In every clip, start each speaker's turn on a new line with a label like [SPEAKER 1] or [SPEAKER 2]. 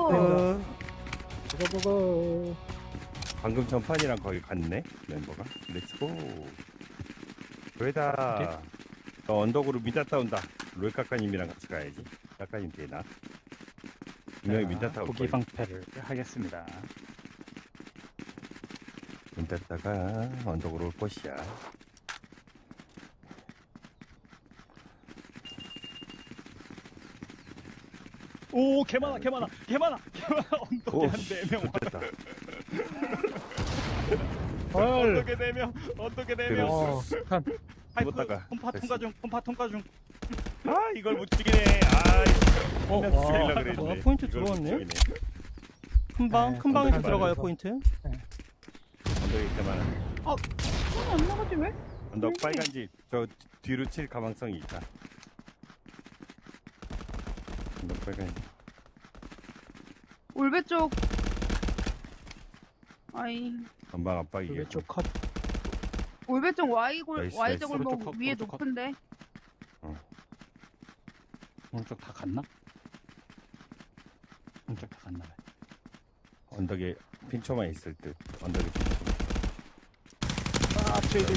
[SPEAKER 1] 고고.
[SPEAKER 2] 고고고고.
[SPEAKER 1] 방금 전판이랑 거의 같네 멤버가. 렛츠고. 왜다. 너 언덕으로 미닫다 온다. 롤 까까님이랑 같이 가야지. 까까님 되나? 분명히 미닫다 올
[SPEAKER 3] 고기
[SPEAKER 1] 거야.
[SPEAKER 3] 방패를 하겠습니다.
[SPEAKER 1] 미닫다가 언덕으로 올 것이야.
[SPEAKER 3] 오, 개 많아, 개 많아, 개 많아, 개 많아. 언덕에 한 4명.
[SPEAKER 1] 됐다.
[SPEAKER 2] 헐.
[SPEAKER 3] 언덕에 4명. 언덕에 4명.
[SPEAKER 2] 한
[SPEAKER 1] 죽었다가
[SPEAKER 3] pompa
[SPEAKER 1] 됐어.
[SPEAKER 3] 통과 중. pompa 통과 중.
[SPEAKER 1] 아 이걸 못 죽이네. 아
[SPEAKER 4] 와,
[SPEAKER 1] 죽이려고 그랬는데.
[SPEAKER 4] 뭐야, 포인트
[SPEAKER 1] 이걸 못
[SPEAKER 4] 들어왔네?
[SPEAKER 1] 죽이네.
[SPEAKER 4] 큰방
[SPEAKER 2] 네,
[SPEAKER 4] 큰 방에서
[SPEAKER 1] 언덕에
[SPEAKER 4] 들어가요
[SPEAKER 2] 많아서.
[SPEAKER 4] 포인트.
[SPEAKER 1] 언덕에 이렇게 많아.
[SPEAKER 5] 손이 안 나가지 왜?
[SPEAKER 1] 언덕 빨간 집. 저 뒤로 칠 가망성이 있다. 언덕 빨간 집.
[SPEAKER 5] 올배 쪽. 아이.
[SPEAKER 1] 전방 압박이게.
[SPEAKER 2] 왼쪽 컷.
[SPEAKER 5] 올배 쪽 Y골
[SPEAKER 1] 나이스,
[SPEAKER 5] Y
[SPEAKER 1] 나이스.
[SPEAKER 5] 쪽 골목
[SPEAKER 3] 오른쪽 컷,
[SPEAKER 5] 위에
[SPEAKER 3] 오른쪽 컷.
[SPEAKER 5] 높은데.
[SPEAKER 3] 오른쪽 다 갔나? 오른쪽 다 갔나 봐요.
[SPEAKER 1] 언덕에 핀초만 있을 듯. 언덕에 핀초만.
[SPEAKER 3] 아, 트레이드.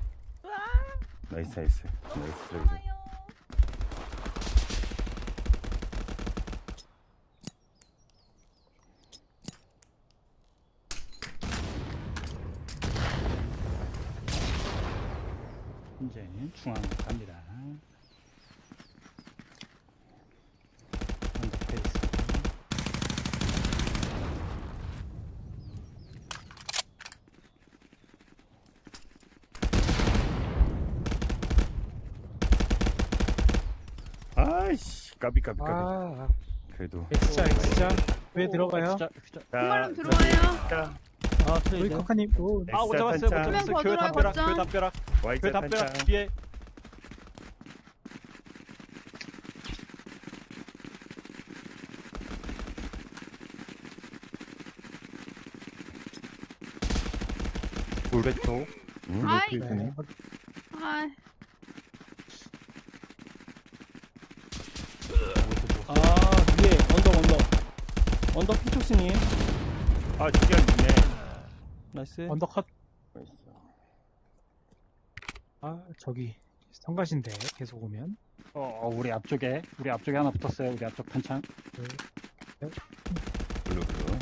[SPEAKER 1] 나이스. 나이스. 나이스.
[SPEAKER 3] 이제 중앙으로 갑니다. 언덕 페이스.
[SPEAKER 1] 아이씨. 까비.
[SPEAKER 2] 아,
[SPEAKER 1] 그래도.
[SPEAKER 2] X자. 왜 들어가요?
[SPEAKER 3] 진짜.
[SPEAKER 5] 한발름 들어와요.
[SPEAKER 1] 자,
[SPEAKER 4] 아 트레이드.
[SPEAKER 2] 우리 커카님. 오,
[SPEAKER 3] 아, 못
[SPEAKER 1] 엑스자
[SPEAKER 3] 잡았어요. 못
[SPEAKER 1] 탄창.
[SPEAKER 3] 잡았어요.
[SPEAKER 5] 한
[SPEAKER 3] 교회
[SPEAKER 5] 명
[SPEAKER 3] 담벼락.
[SPEAKER 5] 거절하고
[SPEAKER 3] 교회 담벼락. 교회
[SPEAKER 1] 와이자
[SPEAKER 3] 담벼락
[SPEAKER 1] 탄창.
[SPEAKER 3] 뒤에.
[SPEAKER 6] 울베토
[SPEAKER 5] 아이.
[SPEAKER 6] 필드네.
[SPEAKER 5] 아,
[SPEAKER 4] 아 위에 언덕 피촉스님.
[SPEAKER 1] 아, 두개 있네.
[SPEAKER 4] 나이스.
[SPEAKER 2] 언더 컷.
[SPEAKER 1] 나이스.
[SPEAKER 2] 아, 저기 성가신데 계속 오면.
[SPEAKER 3] 우리 앞쪽에 하나 붙었어요. 우리 앞쪽 탄창.
[SPEAKER 1] 블루.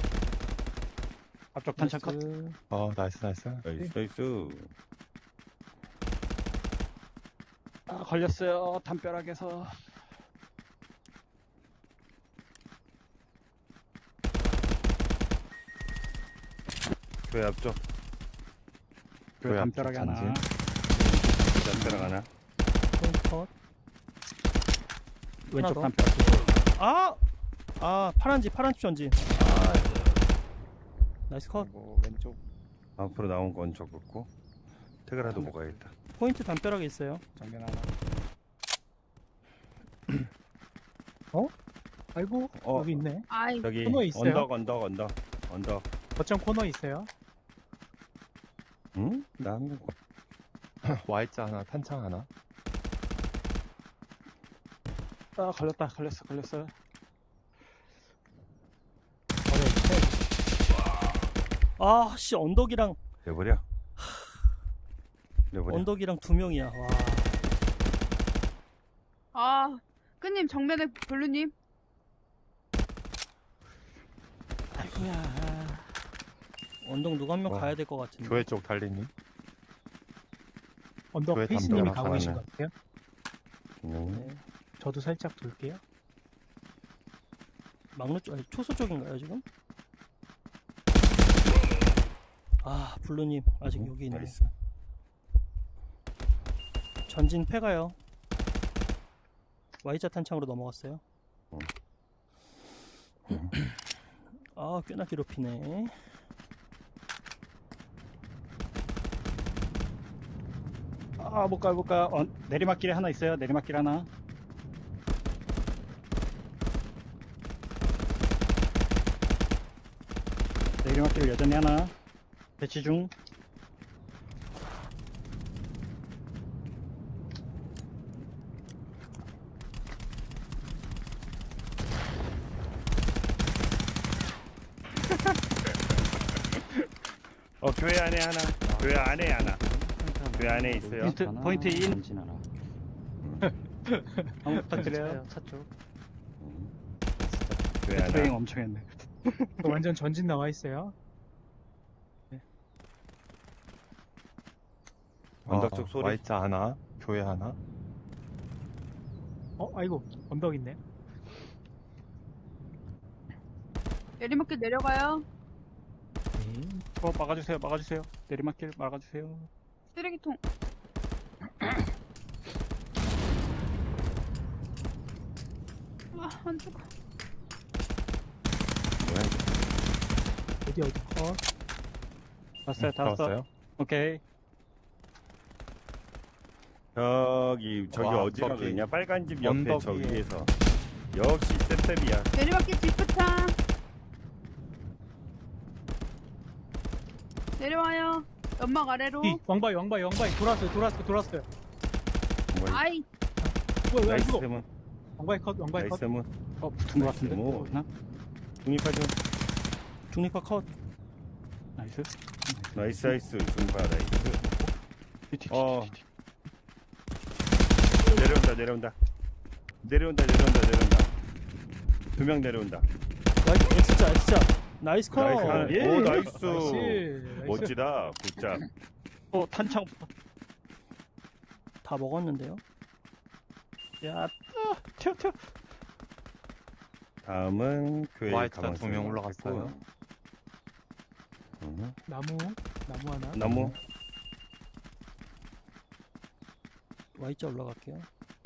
[SPEAKER 3] 앞쪽 탄창 컷.
[SPEAKER 4] 나이스.
[SPEAKER 6] 나이스.
[SPEAKER 1] 나이스.
[SPEAKER 3] 아, 걸렸어요. 담벼락에서.
[SPEAKER 1] 교회 앞쪽.
[SPEAKER 3] 교회
[SPEAKER 6] 교회
[SPEAKER 3] 담벼락에
[SPEAKER 6] 앞쪽
[SPEAKER 3] 하나.
[SPEAKER 1] 담벼락 하나.
[SPEAKER 4] 포인트 컷.
[SPEAKER 3] 왼쪽
[SPEAKER 4] 더.
[SPEAKER 3] 담벼락.
[SPEAKER 4] 아 파란 집 전진. 아 나이스 컷.
[SPEAKER 3] 그리고 왼쪽.
[SPEAKER 1] 앞으로 나온 건 적었고. 태그라도 먹어야겠다.
[SPEAKER 4] 포인트 담벼락에 있어요.
[SPEAKER 3] 정면 하나.
[SPEAKER 2] 아이고,
[SPEAKER 1] 어.
[SPEAKER 2] 여기 있네.
[SPEAKER 5] 아이.
[SPEAKER 1] 저기
[SPEAKER 2] 코너에 있어요?
[SPEAKER 1] 언덕.
[SPEAKER 2] 거점 코너 있어요.
[SPEAKER 1] 응? 나 한 명.
[SPEAKER 6] Y자 하나, 탄창 하나.
[SPEAKER 3] 아, 걸렸어요.
[SPEAKER 4] 아씨 언덕이랑
[SPEAKER 1] 내버려.
[SPEAKER 4] 언덕이랑 2명이야. 와.
[SPEAKER 5] 아, 끈님 정면에 블루님.
[SPEAKER 3] 아이고야.
[SPEAKER 4] 언덕 누가 한 명
[SPEAKER 6] 와.
[SPEAKER 4] 가야 될 것 같은데.
[SPEAKER 6] 교회 쪽 달리님.
[SPEAKER 2] 언더
[SPEAKER 6] 왜
[SPEAKER 2] 페이스님이
[SPEAKER 6] 담벼락
[SPEAKER 2] 가고 계신
[SPEAKER 6] 하나는?
[SPEAKER 2] 것 같아요.
[SPEAKER 4] 네.
[SPEAKER 2] 저도 살짝 돌게요.
[SPEAKER 4] 막루 쪽, 아니 초소 쪽인가요 지금? 아 블루님 아직 여기 있네.
[SPEAKER 1] 나이스.
[SPEAKER 4] 전진 패가요. Y자 탄창으로 넘어갔어요. 아 꽤나 괴롭히네.
[SPEAKER 3] 아, 못 가. 내리막길에 하나 있어요. 내리막길 하나. 내리막길 여전히 하나. 배치 중.
[SPEAKER 1] 교회 안에 하나. 교회 안에 하나. 교회 안에 있어요.
[SPEAKER 3] 포인트 인.
[SPEAKER 7] 전진 하나.
[SPEAKER 3] 한번 부탁드려요.
[SPEAKER 7] 차 쪽.
[SPEAKER 1] 교회 하나.
[SPEAKER 3] 트레잉 엄청 했네.
[SPEAKER 2] 완전 전진 나와 있어요.
[SPEAKER 1] 언덕 쪽 소리.
[SPEAKER 6] Y자 하나, 교회 하나.
[SPEAKER 2] 아이고, 언덕 있네.
[SPEAKER 5] 내리막길 내려가요.
[SPEAKER 2] 네.
[SPEAKER 3] 막아주세요. 막아주세요. 내리막길 막아주세요.
[SPEAKER 5] 쓰레기통. 안 죽어.
[SPEAKER 1] 뭐야 이거.
[SPEAKER 2] 어디
[SPEAKER 3] 왔어요. 다 왔어.
[SPEAKER 6] 들어왔어요?
[SPEAKER 3] 오케이.
[SPEAKER 1] 저기
[SPEAKER 6] 와,
[SPEAKER 1] 어디라
[SPEAKER 6] 언덕이.
[SPEAKER 1] 그러냐? 빨간 집 옆에
[SPEAKER 6] 언덕
[SPEAKER 1] 저
[SPEAKER 6] 위에.
[SPEAKER 1] 위에서. 역시 셉셉이야.
[SPEAKER 5] 내리막길 뒷부탕. 내려와요. 연막 아래로.
[SPEAKER 2] 왕바이 돌았어요.
[SPEAKER 1] 뭐야,
[SPEAKER 5] 아이,
[SPEAKER 2] 왜안
[SPEAKER 1] 나이스
[SPEAKER 2] 죽어?
[SPEAKER 1] 문.
[SPEAKER 2] 왕바이 컷.
[SPEAKER 1] 나이스 문.
[SPEAKER 3] 붙은 것 같은데.
[SPEAKER 1] 뭐.
[SPEAKER 3] 나?
[SPEAKER 1] 중립하죠.
[SPEAKER 4] 중립파 컷.
[SPEAKER 3] 나이스.
[SPEAKER 1] 나이스. 중립파 나이스.
[SPEAKER 3] 뒤.
[SPEAKER 1] 내려온다. 두 명 내려온다.
[SPEAKER 4] X자. 나이스 컷.
[SPEAKER 1] 나이스 하나.
[SPEAKER 3] 예.
[SPEAKER 1] 오, 나이스.
[SPEAKER 2] 나이스.
[SPEAKER 1] 멋지다. 굿잡.
[SPEAKER 3] 탄창.
[SPEAKER 4] 다 먹었는데요.
[SPEAKER 3] 야, 튀어.
[SPEAKER 1] 다음은 교회
[SPEAKER 6] Y자
[SPEAKER 1] 가만히
[SPEAKER 6] 2명
[SPEAKER 1] 있어요.
[SPEAKER 6] 올라갔어요.
[SPEAKER 2] 나무 하나.
[SPEAKER 1] 나무.
[SPEAKER 4] Y자 올라갈게요.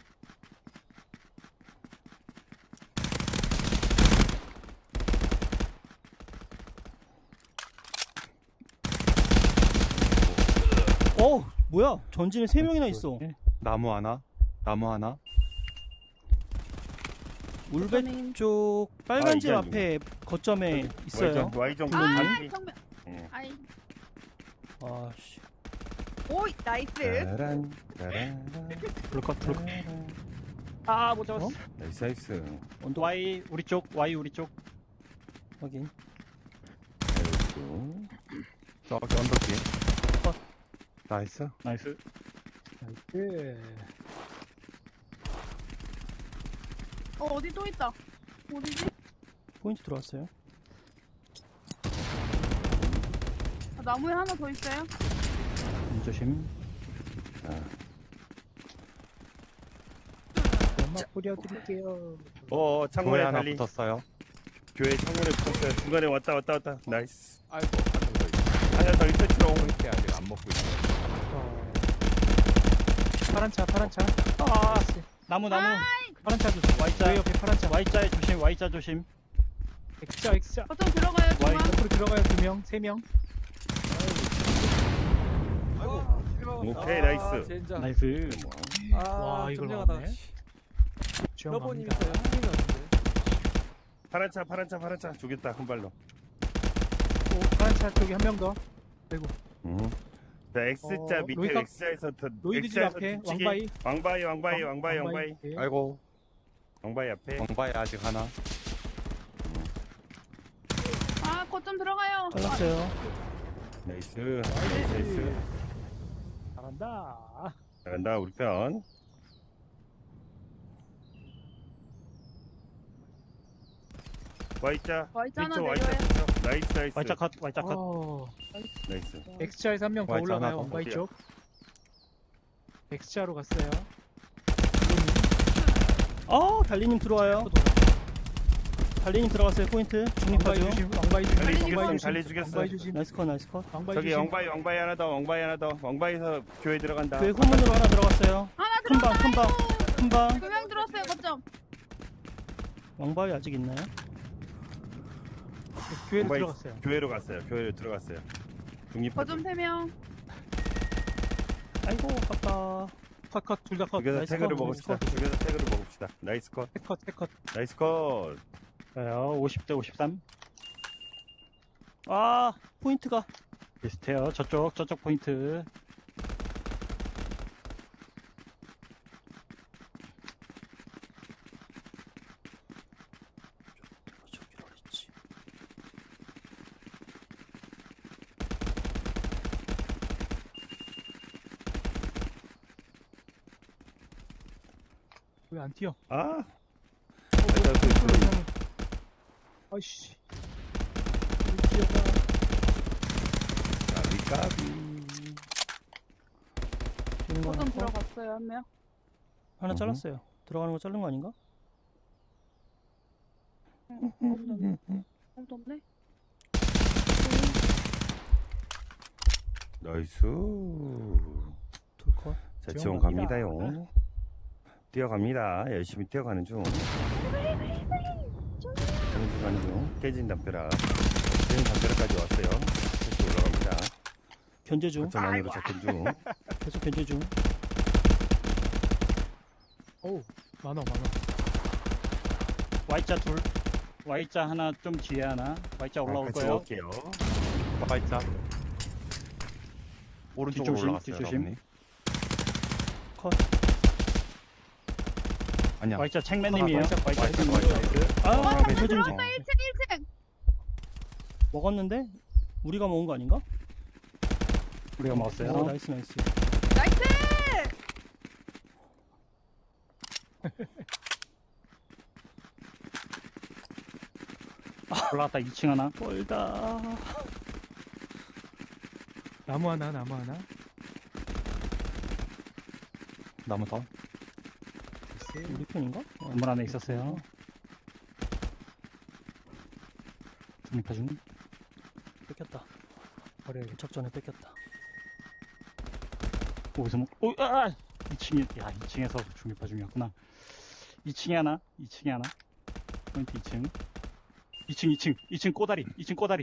[SPEAKER 4] 뭐야? 전진에 3명이나 있어.
[SPEAKER 6] 나무 하나.
[SPEAKER 4] 울배 쪽 빨간 집
[SPEAKER 1] 이제
[SPEAKER 4] 앞에 거점에 있어요.
[SPEAKER 1] Y정
[SPEAKER 5] 아,
[SPEAKER 1] 반피.
[SPEAKER 5] 정면.
[SPEAKER 1] 예.
[SPEAKER 5] 아이,
[SPEAKER 4] 아씨.
[SPEAKER 5] 오이, 나이스.
[SPEAKER 1] 따란.
[SPEAKER 3] 불컷. 아, 못 잡았어.
[SPEAKER 1] 나이스.
[SPEAKER 4] 언덕
[SPEAKER 3] Y 우리 쪽.
[SPEAKER 4] 확인.
[SPEAKER 1] 아이고.
[SPEAKER 6] 저기 언덕 뒤에. 나이스.
[SPEAKER 3] 나이스.
[SPEAKER 5] 어디 또 있다. 어디지?
[SPEAKER 4] 포인트 들어왔어요.
[SPEAKER 5] 나무에 하나 더 있어요.
[SPEAKER 3] 조심.
[SPEAKER 2] 연막 뿌려드릴게요.
[SPEAKER 1] 창문에
[SPEAKER 6] 교회 하나
[SPEAKER 1] 달리.
[SPEAKER 6] 붙었어요.
[SPEAKER 1] 교회 창문에 붙었어요. 중간에 왔다. 나이스.
[SPEAKER 8] 아이고 한명 더 있어.
[SPEAKER 1] 하나 더 있어, 치롱.
[SPEAKER 8] 포인트 아직 안 먹고 있어.
[SPEAKER 2] 파란 차.
[SPEAKER 3] 아, 나무.
[SPEAKER 2] 파란 차 조심.
[SPEAKER 3] Y자.
[SPEAKER 2] 왜 옆에 파란 차.
[SPEAKER 3] Y자 조심.
[SPEAKER 2] X자.
[SPEAKER 5] 거점 들어가요, 중앙.
[SPEAKER 2] 옆으로 들어가요. 2명, 3명.
[SPEAKER 1] 오케이, 나이스.
[SPEAKER 8] 젠장.
[SPEAKER 3] 나이스.
[SPEAKER 2] 와, 이걸
[SPEAKER 8] 점령하다.
[SPEAKER 2] 막네.
[SPEAKER 8] 러버님
[SPEAKER 2] 지원합니다.
[SPEAKER 8] 있어요. 팀이 같은데.
[SPEAKER 1] 파란 차. 죽였다, 한 발로.
[SPEAKER 2] 파란 차 쪽에 한 명 더.
[SPEAKER 1] 자, X자 밑에
[SPEAKER 2] 로이카-
[SPEAKER 1] X자에서 더
[SPEAKER 2] 로이드 집
[SPEAKER 1] X자에서
[SPEAKER 2] 앞에
[SPEAKER 1] 뒤치기.
[SPEAKER 2] 왕바이.
[SPEAKER 1] 왕바이.
[SPEAKER 2] 예.
[SPEAKER 6] 아이고.
[SPEAKER 1] 왕바이 앞에.
[SPEAKER 6] 왕바이 아직 하나.
[SPEAKER 5] 아, 거점 들어가요.
[SPEAKER 4] 잘랐어요.
[SPEAKER 1] 나이스.
[SPEAKER 2] 잘한다.
[SPEAKER 1] 잘한다, 우리 편. Y자.
[SPEAKER 5] Y자 하나
[SPEAKER 1] 뒤쪽
[SPEAKER 5] 내려와요.
[SPEAKER 1] 나이스.
[SPEAKER 3] Y자 컷.
[SPEAKER 1] 나이스.
[SPEAKER 2] X자에서 한 명 더
[SPEAKER 6] Y자 하나
[SPEAKER 2] 올라가요.
[SPEAKER 6] 더.
[SPEAKER 2] 왕바이
[SPEAKER 1] 어디야?
[SPEAKER 2] 쪽. X자로 갔어요.
[SPEAKER 4] 달리님 들어와요. 달리님 들어갔어요. 포인트.
[SPEAKER 2] 왕바이
[SPEAKER 4] 중립파죠.
[SPEAKER 2] 조심. 왕바이 조심.
[SPEAKER 1] 달리 죽였어.
[SPEAKER 2] 왕바이 조심.
[SPEAKER 4] 나이스 컷.
[SPEAKER 2] 왕바이
[SPEAKER 1] 저기
[SPEAKER 2] 조심.
[SPEAKER 1] 왕바이 하나 더. 왕바이에서 교회 들어간다.
[SPEAKER 4] 교회 후문으로 하나 들어갔어요.
[SPEAKER 5] 하나
[SPEAKER 4] 큰 방.
[SPEAKER 5] 2명 들어왔어요, 거점.
[SPEAKER 4] 왕바위 아직 있나요?
[SPEAKER 2] 교회로
[SPEAKER 1] 왕바이
[SPEAKER 2] 들어갔어요.
[SPEAKER 1] 교회로 들어갔어요. 중립파.
[SPEAKER 5] 거점 3명.
[SPEAKER 4] 아이고 아깝다.
[SPEAKER 2] 컷. 둘 다 컷.
[SPEAKER 1] 죽여서
[SPEAKER 4] 나이스
[SPEAKER 1] 태그를
[SPEAKER 4] 컷,
[SPEAKER 1] 먹읍시다. 나이스 컷.
[SPEAKER 2] 컷.
[SPEAKER 1] 나이스 컷.
[SPEAKER 3] 자요. 50대 53.
[SPEAKER 4] 포인트가
[SPEAKER 3] 비슷해요. 저쪽 포인트.
[SPEAKER 4] 저기로 했지.
[SPEAKER 2] 왜 안 튀어?
[SPEAKER 1] 아,
[SPEAKER 2] 아이씨. 왜 뛰어가?
[SPEAKER 1] 까비.
[SPEAKER 4] 뛰는 거
[SPEAKER 5] 거점
[SPEAKER 4] 하나,
[SPEAKER 5] 들어갔어요, 한 명.
[SPEAKER 4] 하나 잘랐어요. 들어가는 거 자른 거 아닌가?
[SPEAKER 5] 아무도 없네.
[SPEAKER 1] 나이스.
[SPEAKER 4] 둘 컷.
[SPEAKER 1] 자,
[SPEAKER 2] 지원
[SPEAKER 1] 지원 갑니다요. 뛰어갑니다. 열심히 뛰어가는 중. 가는 중. 깨진 담벼락. 깨진 담벼락까지 왔어요. 다시 올라갑니다.
[SPEAKER 4] 견제 중.
[SPEAKER 1] 거점 안으로 접근 중.
[SPEAKER 4] 계속 견제 중.
[SPEAKER 2] 어우, 많아.
[SPEAKER 3] Y자 둘. Y자 하나 좀 뒤에 하나. Y자 올라올
[SPEAKER 1] 같이
[SPEAKER 3] 거예요.
[SPEAKER 1] 올게요.
[SPEAKER 6] Y자. 오른쪽으로
[SPEAKER 3] 뒷조심,
[SPEAKER 6] 올라갔어요.
[SPEAKER 3] 뒷조심.
[SPEAKER 6] 라온이.
[SPEAKER 4] 컷.
[SPEAKER 6] 아니야.
[SPEAKER 3] Y자 책맨님이에요. Y자 책맨.
[SPEAKER 4] 아, 소진 중.
[SPEAKER 5] 1층, 1층.
[SPEAKER 4] 먹었는데 우리가 먹은 거 아닌가?
[SPEAKER 3] 우리가 먹었어요.
[SPEAKER 4] 나이스.
[SPEAKER 5] 나이스!
[SPEAKER 3] 올라갔다 2층 하나.
[SPEAKER 4] 멀다.
[SPEAKER 2] 나무 하나.
[SPEAKER 6] 나무 더.
[SPEAKER 4] 우리 편인가?
[SPEAKER 3] 건물 안에 있었어요. 중립파 중.
[SPEAKER 4] 뺏겼다.
[SPEAKER 2] 버려야겠다.
[SPEAKER 4] 도착 전에 뺏겼다.
[SPEAKER 3] 거기서 뭐, 2층에, 야, 2층에서 중립파 중이었구나. 2층에 하나, 2층에 하나. 포인트 2층. 2층 꼬다리, 2층 꼬다리.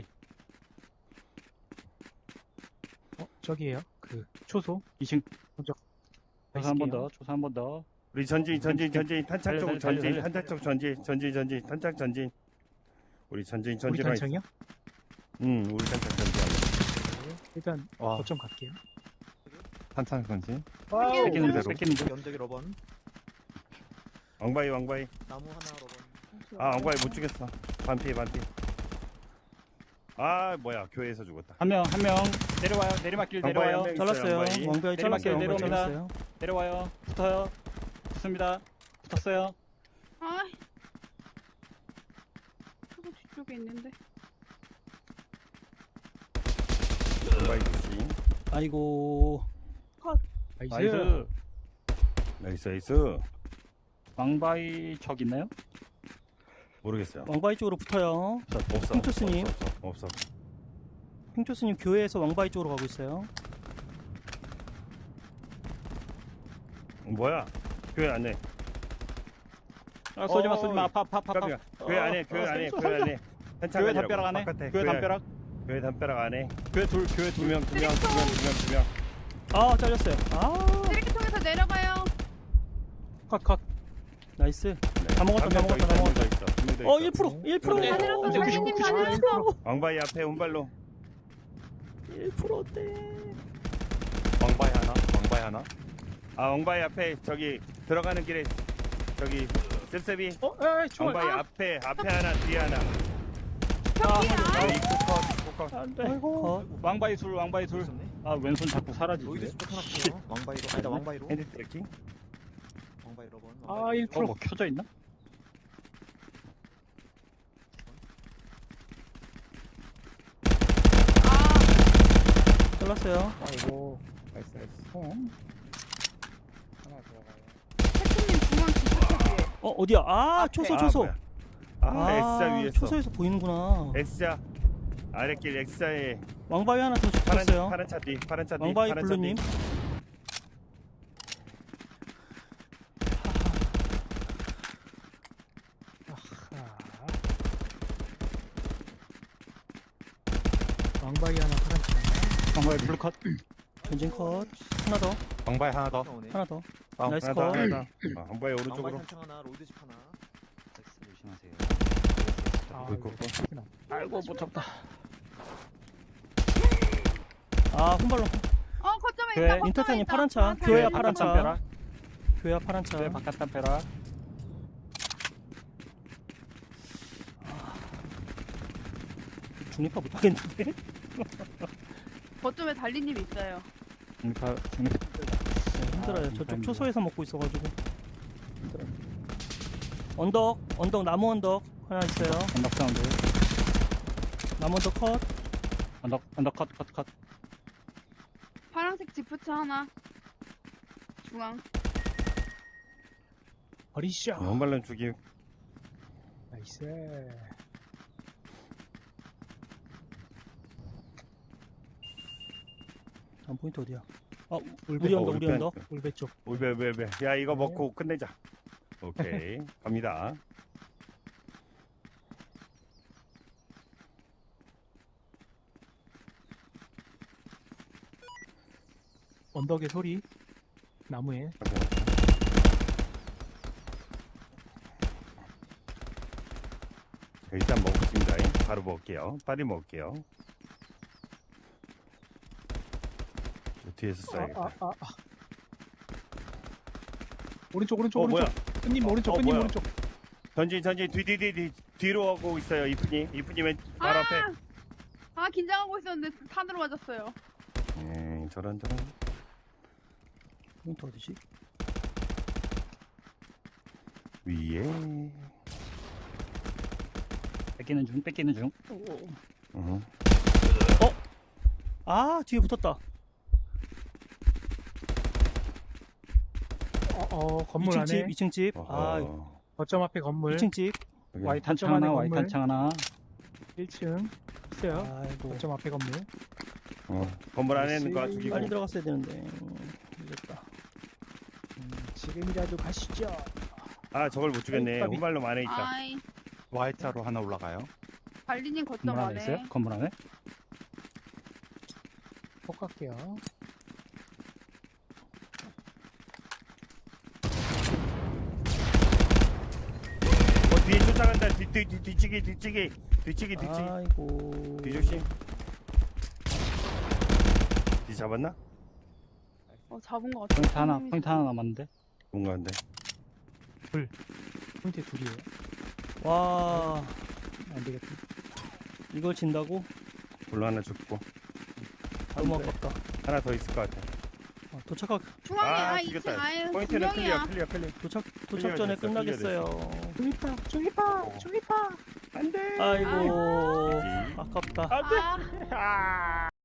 [SPEAKER 2] 저기에요. 그 초소.
[SPEAKER 3] 2층.
[SPEAKER 2] 먼저
[SPEAKER 3] 조사 한 번 더, 조사 한 번 더.
[SPEAKER 1] 우리 전진. 탄창 쪽으로
[SPEAKER 3] 달려.
[SPEAKER 1] 전진. 탄창 쪽 전진. 탄창 전진. 우리 전진.
[SPEAKER 2] 우리 단청이요?
[SPEAKER 1] 우리 탄창 전진.
[SPEAKER 2] 일단
[SPEAKER 6] 와,
[SPEAKER 2] 거점 갈게요.
[SPEAKER 6] 탄창 건지.
[SPEAKER 3] 뺏기는
[SPEAKER 6] 대로.
[SPEAKER 3] 중, 뺏기는 중.
[SPEAKER 8] 연적이 러번.
[SPEAKER 1] 왕바이.
[SPEAKER 8] 나무 하나 러번.
[SPEAKER 1] 아, 왕바이 못 죽였어. 반피. 아, 뭐야. 교회에서 죽었다.
[SPEAKER 3] 한 명, 내려와요. 내리막길
[SPEAKER 1] 왕바이
[SPEAKER 3] 내려와요.
[SPEAKER 1] 한 명.
[SPEAKER 4] 잘랐어요.
[SPEAKER 1] 왕바이.
[SPEAKER 4] 왕바이 잘랐어요. 왕바이
[SPEAKER 3] 내려옵니다.
[SPEAKER 4] 잘랐어요.
[SPEAKER 3] 내려와요. 붙어요. 붙습니다. 붙었어요.
[SPEAKER 5] 아. 저거 뒤쪽에 있는데.
[SPEAKER 1] 왕바이 조심.
[SPEAKER 4] 아이고.
[SPEAKER 2] 나이스.
[SPEAKER 1] 나이스.
[SPEAKER 3] 왕바이 적 있나요?
[SPEAKER 1] 모르겠어요.
[SPEAKER 4] 왕바이 쪽으로 붙어요.
[SPEAKER 1] 없어.
[SPEAKER 4] 핑토스님.
[SPEAKER 1] 없어.
[SPEAKER 4] 핑초스님 교회에서 왕바이 쪽으로 가고 있어요.
[SPEAKER 1] 뭐야? 교회 안에.
[SPEAKER 3] 쏘지 마. 아파.
[SPEAKER 1] 깜짝이야. 교회 안에. 탄창
[SPEAKER 3] 교회
[SPEAKER 1] 아니라고.
[SPEAKER 3] 담벼락 안에.
[SPEAKER 1] 바깥에.
[SPEAKER 3] 교회 담벼락.
[SPEAKER 1] 교회 담벼락 안에.
[SPEAKER 3] 교회 둘.
[SPEAKER 1] 두 명.
[SPEAKER 4] 아, 잘렸어요. 아,
[SPEAKER 5] 쓰레기통에서 내려가요.
[SPEAKER 2] 컷.
[SPEAKER 4] 나이스. 다 먹었다. 1%.
[SPEAKER 1] 어,
[SPEAKER 4] 1%.
[SPEAKER 3] 네.
[SPEAKER 5] 다 내렸어.
[SPEAKER 3] 네.
[SPEAKER 5] 달리님 다 내렸어.
[SPEAKER 1] 왕바이 앞에 운발로.
[SPEAKER 4] 1%대.
[SPEAKER 6] 왕바이 하나.
[SPEAKER 1] 아, 왕바이 앞에 저기 들어가는 길에 저기 셉셉이.
[SPEAKER 2] 총알.
[SPEAKER 1] 왕바이 앞에 하나, 뒤에 하나.
[SPEAKER 5] 저기,
[SPEAKER 1] 입구 컷.
[SPEAKER 4] 안 돼. 컷.
[SPEAKER 3] 왕바이 둘. 아, 왼손 자꾸 사라지지.
[SPEAKER 8] 로이드 스펙 하나 붙여. 왕바이로. 아니다 왕바이로.
[SPEAKER 1] 핸드 트래킹.
[SPEAKER 8] 왕바이 러번.
[SPEAKER 2] 아, 1%.
[SPEAKER 3] 뭐 켜져 있나?
[SPEAKER 4] 잘랐어요.
[SPEAKER 2] 아이고.
[SPEAKER 1] 나이스.
[SPEAKER 5] 태풍님 중앙 뒤쪽에.
[SPEAKER 4] 어디야? 아, 초소.
[SPEAKER 1] 뭐야. X자 위에서.
[SPEAKER 4] 초소에서 보이는구나.
[SPEAKER 1] X자. 아랫길 X자에
[SPEAKER 4] 왕바위 하나 더 붙었어요.
[SPEAKER 1] 파란 차 뒤.
[SPEAKER 4] 왕바위
[SPEAKER 1] 파란 차
[SPEAKER 4] 블루님.
[SPEAKER 1] 뒤.
[SPEAKER 2] 왕바이 하나 파란 차.
[SPEAKER 3] 왕바이 블루 컷.
[SPEAKER 4] 전진 컷. 하나 더.
[SPEAKER 6] 왕바이 하나 더.
[SPEAKER 4] 하나 더.
[SPEAKER 6] 아,
[SPEAKER 4] 나이스
[SPEAKER 1] 하나
[SPEAKER 4] 컷.
[SPEAKER 1] 더. 왕바이
[SPEAKER 8] 왕바이
[SPEAKER 1] 오른쪽으로.
[SPEAKER 8] 탄창 하나. 로이드 집 하나.
[SPEAKER 3] 조심하세요.
[SPEAKER 2] 아이고.
[SPEAKER 3] 아이고 못 잡다.
[SPEAKER 4] 아, 혼발로.
[SPEAKER 5] 거점에
[SPEAKER 3] 교회
[SPEAKER 5] 있다. 거점에
[SPEAKER 4] 인터탄이
[SPEAKER 5] 있다.
[SPEAKER 4] 파란 차. 교회
[SPEAKER 5] 살려줘.
[SPEAKER 4] 파란 차.
[SPEAKER 3] 담벼락.
[SPEAKER 4] 교회야 파란 차.
[SPEAKER 3] 교회 바깥 담벼락.
[SPEAKER 4] 중립파 못하겠는데?
[SPEAKER 5] 거점에 달리님 있어요.
[SPEAKER 3] 중립파.
[SPEAKER 4] 힘들어요. 저쪽
[SPEAKER 3] 감사합니다.
[SPEAKER 4] 초소에서 먹고 있어가지고. 힘들어요. 언덕 나무 언덕 하나 있어요.
[SPEAKER 3] 언덕 사운드.
[SPEAKER 4] 나무 언덕 컷.
[SPEAKER 3] 언덕 컷.
[SPEAKER 5] 파란색 지프차 하나. 중앙.
[SPEAKER 2] 버리시죠.
[SPEAKER 1] 원발론 죽임.
[SPEAKER 2] 나이스.
[SPEAKER 4] 다음 포인트 어디야? 아
[SPEAKER 2] 울배,
[SPEAKER 4] 우리 언덕 우리
[SPEAKER 1] 울배.
[SPEAKER 4] 언덕.
[SPEAKER 2] 울배 쪽.
[SPEAKER 1] 울베. 야, 이거
[SPEAKER 2] 네.
[SPEAKER 1] 먹고 끝내자. 오케이. 갑니다.
[SPEAKER 2] 언덕의 소리. 나무에.
[SPEAKER 1] 자, 일단 먹겠습니다. 바로 먹을게요. 빨리 먹을게요. 저 뒤에서 써야겠다.
[SPEAKER 2] 오른쪽
[SPEAKER 1] 뭐야?
[SPEAKER 2] 끝님 오른쪽 끝님
[SPEAKER 1] 뭐야?
[SPEAKER 2] 오른쪽.
[SPEAKER 1] 전진 뒤로 오고 있어요. 이쁜이 맨 바로 앞에.
[SPEAKER 5] 아, 긴장하고 있었는데 탄으로 맞았어요.
[SPEAKER 1] 저런.
[SPEAKER 4] 포인트 어디지?
[SPEAKER 1] 위에.
[SPEAKER 3] 뺏기는 중.
[SPEAKER 1] 어.
[SPEAKER 4] 아 뒤에 붙었다.
[SPEAKER 2] 건물
[SPEAKER 4] 2층
[SPEAKER 2] 안에.
[SPEAKER 4] 집 2층 집. 아
[SPEAKER 1] 어허.
[SPEAKER 2] 거점 앞에 건물.
[SPEAKER 4] 2층 집.
[SPEAKER 1] 여기.
[SPEAKER 3] 와이 탄창
[SPEAKER 2] 안에
[SPEAKER 3] 하나, 와이
[SPEAKER 2] 건물.
[SPEAKER 3] 탄창 하나.
[SPEAKER 2] 1층. 있어요.
[SPEAKER 4] 아이고
[SPEAKER 2] 거점 앞에 건물.
[SPEAKER 1] 건물 안에 있는 거 죽이고.
[SPEAKER 4] 빨리 들어갔어야 되는데 늦었다.
[SPEAKER 2] 지금이라도 가시죠.
[SPEAKER 1] 아, 저걸 못 죽였네.
[SPEAKER 2] 까비.
[SPEAKER 1] 후발로 안에 있다.
[SPEAKER 5] 아이,
[SPEAKER 6] Y자로 하나 올라가요.
[SPEAKER 5] 달리님 거점
[SPEAKER 3] 건물 안에
[SPEAKER 5] 안에.
[SPEAKER 3] 있어요? 건물 안에?
[SPEAKER 2] 폭 갈게요.
[SPEAKER 1] 뒤에 쫓아간다. 뒤치기.
[SPEAKER 4] 아이고.
[SPEAKER 1] 뒤조심. 뒤 잡았나?
[SPEAKER 5] 잡은 것 같아.
[SPEAKER 3] 포인트 하나 남았는데.
[SPEAKER 1] 뭔가 한데.
[SPEAKER 2] 포인트 둘이에요.
[SPEAKER 4] 와
[SPEAKER 2] 안 되겠다.
[SPEAKER 4] 이걸 진다고?
[SPEAKER 1] 불로 하나 죽고.
[SPEAKER 4] 너무 아깝다.
[SPEAKER 1] 하나 더 있을 것 같아.
[SPEAKER 4] 도착
[SPEAKER 5] 중앙에,
[SPEAKER 1] 죽였다.
[SPEAKER 5] 2층, 아유, 두
[SPEAKER 1] 포인트는
[SPEAKER 5] 명이야.
[SPEAKER 1] 클리어.
[SPEAKER 4] 도착
[SPEAKER 1] 클리어
[SPEAKER 4] 전에
[SPEAKER 1] 됐어,
[SPEAKER 4] 끝나겠어요.
[SPEAKER 2] 중립파.
[SPEAKER 1] 안 돼.
[SPEAKER 4] 아이고
[SPEAKER 1] 그치.
[SPEAKER 4] 아깝다.
[SPEAKER 5] 아,